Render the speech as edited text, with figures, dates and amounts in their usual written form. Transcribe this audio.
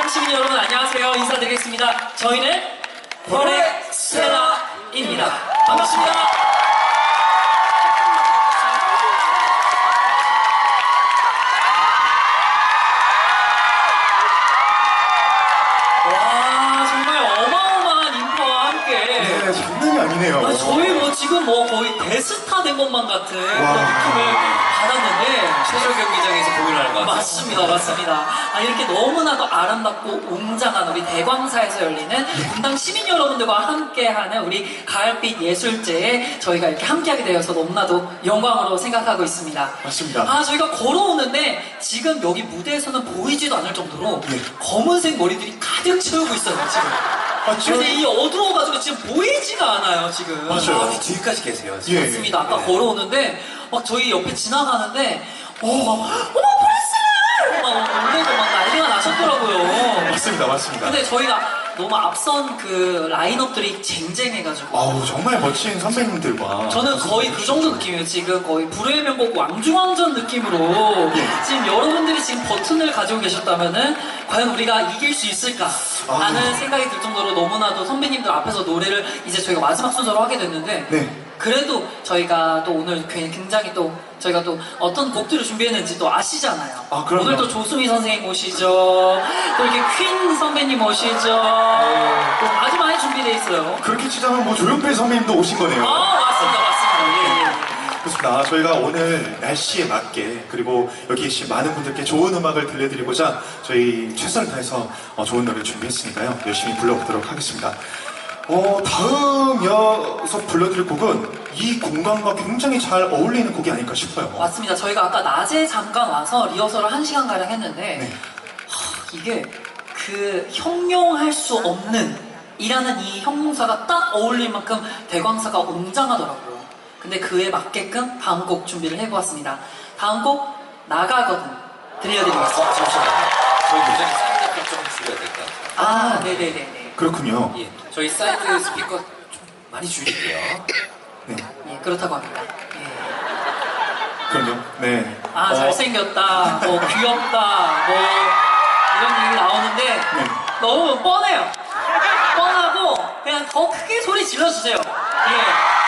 분당 시민 여러분 안녕하세요. 인사드리겠습니다. 저희는 포렉스테라입니다. 반갑습니다. 와, 정말 어마어마한 인파와 함께. 네, 장난이 아니네요. 아니, 저희 지금 거의 대스타 된 것만 같은 그런 느낌을 받았는데. 최저 경기장에서 공연을 하는 것 같아요. 맞습니다, 맞습니다. 이렇게 너무나도 아름답고 웅장한 우리 대광사에서 열리는 분당 시민 여러분들과 함께하는 우리 가을빛 예술제에 저희가 이렇게 함께하게 되어서 너무나도 영광으로 생각하고 있습니다. 맞습니다. 저희가 걸어오는데 지금 여기 무대에서는 보이지도 않을 정도로 검은색 머리들이 가득 채우고 있어요, 지금. 맞죠? 그런데 이 어두워가지고 지금 보이지가 않아요, 지금. 맞아요. 뒤까지 계세요. 예. 맞습니다. 아까 네. 걸어오는데 막 저희 옆에 지나가는데 어머 프레스! 막 놀래고 막 난리가 나셨더라고요. 맞습니다, 맞습니다. 근데 저희가 너무 앞선 그 라인업들이 쟁쟁해가지고 아우, 정말 멋진 선배님들과. 저는 거의 그 정도 느낌이에요. 지금 거의 불후의 명곡 왕중왕전 느낌으로 지금 여러분들이 지금 버튼을 가지고 계셨다면은 과연 우리가 이길 수 있을까 라는 생각이 들 정도로 너무나도 선배님들 앞에서 노래를 이제 저희가 마지막 순서로 하게 됐는데 네. 그래도 저희가 또 오늘 굉장히 또 저희가 또 어떤 곡들을 준비했는지 또 아시잖아요. 그럼요. 오늘 또 조수미 선생님 오시죠. 또 이렇게 퀸 선배님 오시죠. 또 아주 많이 준비되어 있어요. 그렇게 치자면 뭐 조용필 선배님도 오신 거네요. 맞습니다, 맞습니다. 예. 그렇습니다. 저희가 오늘 날씨에 맞게 그리고 여기 계신 많은 분들께 좋은 음악을 들려드리고자 저희 최선을 다해서 좋은 노래를 준비했으니까요. 열심히 불러보도록 하겠습니다. 다음 이어서 불러드릴 곡은 이 공간과 굉장히 잘 어울리는 곡이 아닐까 싶어요. 맞습니다. 저희가 아까 낮에 잠깐 와서 리허설을 1시간가량 했는데 네. 이게 그 형용할 수 없는 이라는 이 형용사가 딱 어울릴 만큼 대광사가 웅장하더라고요. 근데 그에 맞게끔 다음 곡 준비를 해보았습니다. 다음 곡 나가거든 들려드리겠습니다. 잠시만요. 저희 굉장히 사이드 좀 줄여야 될 것 같아요. 네네네네. 그렇군요. 예. 저희 사이드 스피커 좀 많이 줄일게요. 네. 예, 그렇다고 합니다. 예. 그럼요. 네. 잘생겼다, 뭐 귀엽다, 뭐 이런 얘기 나오는데 너무 뻔해요. 뻔하고 그냥 더 크게 소리 질러주세요. 예.